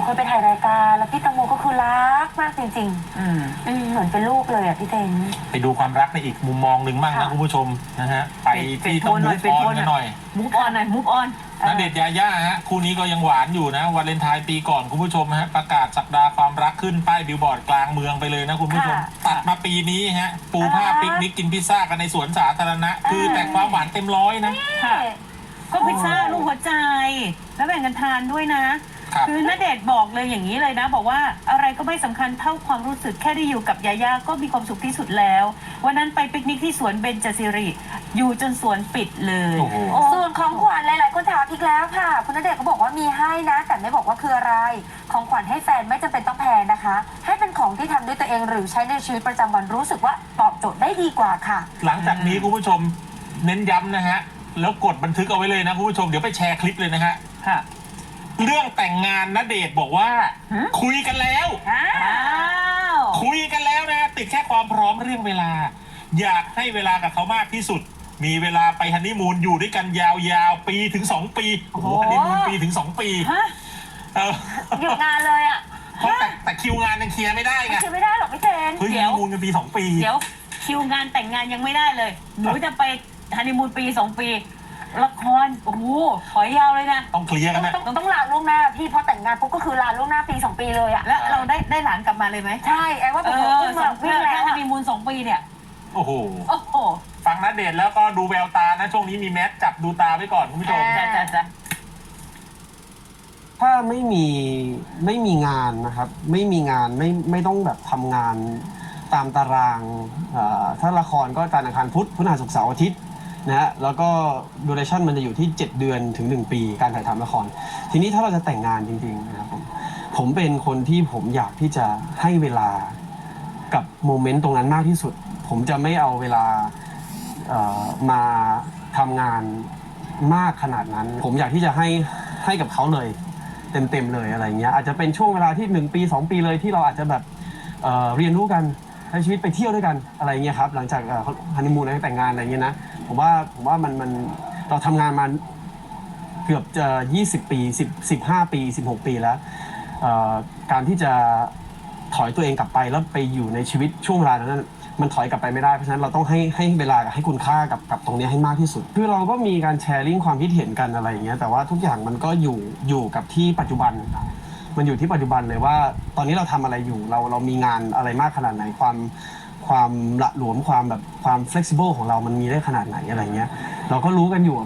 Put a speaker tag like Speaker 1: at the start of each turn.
Speaker 1: เคยไปถ่ายรายการแล้วพี่ตังโมก็คือรักมากจริงๆเหมือนเป็นลูกเลยอ่ะพี่เต้น
Speaker 2: ไปดูความรักในอีกมุมมองหนึ่งบ้างนะคุณผู้ชมนะฮะไปที่ต้องมูฟออนกันหน่อย
Speaker 3: มูฟออนหน่อยมูฟออน
Speaker 2: ณเดชน์ยาย่าฮะคู่นี้ก็ยังหวานอยู่นะวาเลนไทน์ปีก่อนคุณผู้ชมฮะประกาศสัปดาห์ความรักขึ้นป้ายบิลบอร์ดกลางเมืองไปเลยนะคุณผู้ชมตัดมาปีนี้ฮะปูผ้าปิกนิกกินพิซซ่ากันในสวนสาธารณะคือแต่ความหวานเต็มร้อยนะ
Speaker 3: ก็พิซซ่าลูกหัวใจแล้วแบ่งกันทานด้วยนะคือณเดชน์บอกเลยอย่างนี้เลยนะบอกว่าอะไรก็ไม่สำคัญเท่าความรู้สึกแค่ได้อยู่กับยาย่าก็มีความสุขที่สุดแล้ววันนั้นไปปิกนิกที่สวนเบญจศิริอยู่จนสวนปิดเลย
Speaker 1: ส่วนของขวัญหลายๆคนถามอีกแล้วค่ะคุณณเดชน์ก็บอกว่ามีให้นะแต่ไม่บอกว่าคืออะไรของขวัญให้แฟนไม่จำเป็นต้องแพงนะคะให้เป็นของที่ทำด้วยตัวเองหรือใช้ในชีวิตประจำวันรู้สึกว่าตอบโจทย์ได้ดีกว่าค่ะ
Speaker 2: หลังจากนี้คุณผู้ชมเน้นย้ำนะฮะแล้วกดบันทึกเอาไว้เลยนะคุณผู้ชมเดี๋ยวไปแชร์คลิปเลยนะฮะเรื่องแต่งงานณเดชน์บอกว่าคุยกันแล้วคุยกันแล้วนะติดแค่ความพร้อมเรื่องเวลาอยากให้เวลากับเขามากที่สุดมีเวลาไปฮันนีมูนอยู่ด้วยกันยาวๆปีถึง2 ปีโอ้โหฮันนีมูนปีถึง2 ปี
Speaker 1: หยุดงานเลยอ่ะ
Speaker 2: เพราะแต่คิวงานยังเคลียร์ไม่ได้ไง
Speaker 1: เคลียร์ไม่ได้หรอกพี่เจน
Speaker 2: ฮันนีมูนกันปี2 ปี
Speaker 3: เดี๋ยวคิวงานแต่งงานยังไม่ได้เลยหนูจะไปฮันนีมูนปี2 ปีละครโอ้โหถอยยาวเลยนะ
Speaker 2: ต้องเคลียร์กันนะ
Speaker 1: ต้องลาล่วงหน้าพี่พอแต่งงานปุ๊บก็คือลาล่วงหน้าปี2 ปีเลยอะ
Speaker 3: แล้วเราได้หลานกลับมาเลยไหม
Speaker 1: ใช่ไอ้ว่าผมวิ่งแล้ว
Speaker 3: ฮันนีมูน2 ปีเนี่ย
Speaker 2: โอ้โหฟังณเดชน์แล้วก็ดูแววตานะช่วงนี้มีแมสจับดูตาไว้ก่อนคุณผู้ชม
Speaker 3: จ้ะ
Speaker 4: ถ้าไม่มีงานนะครับไม่มีงานไม่ต้องแบบทำงานตามตารางถ้าละครก็จันทร์อังคารพุธพฤหัสศุกร์เสาร์อาทิตย์นะฮะแล้วก็ดูเรชั่นมันจะอยู่ที่7 เดือนถึง1 ปีการถ่ายทำละครทีนี้ถ้าเราจะแต่งงานจริงๆนะครับผมเป็นคนที่ผมอยากที่จะให้เวลากับโมเมนต์ตรงนั้นมากที่สุดผมจะไม่เอาเวลามาทำงานมากขนาดนั้นผมอยากที่จะให้กับเขาเลยเต็มเลยอะไรเงี้ยอาจจะเป็นช่วงเวลาที่1 ปี2 ปีเลยที่เราอาจจะแบบเรียนรู้กันใช้ชีวิตไปเที่ยวด้วยกันอะไรเงี้ยครับหลังจากฮันนีมูนแล้วแต่งงานอะไรเงี้ยนะผมว่ามันเราทำงานมาเกือบจะ20 ปี15 ปี16 ปีแล้วการที่จะถอยตัวเองกลับไปแล้วไปอยู่ในชีวิตช่วงเวลานั้นมันถอยกลับไปไม่ได้เพราะฉะนั้นเราต้องให้เวลาให้คุณค่ากับตรงนี้ให้มากที่สุดคือเราก็มีการแชร์ลิงก์ความคิดเห็นกันอะไรอย่างเงี้ยแต่ว่าทุกอย่างมันก็อยู่กับที่ปัจจุบันมันอยู่ที่ปัจจุบันเลยว่าตอนนี้เราทำอะไรอยู่เรามีงานอะไรมากขนาดไหนความละหลวมความ flexible ของเรามันมีได้ขนาดไหนอะไรเงี้ยเราก็รู้กันอยู่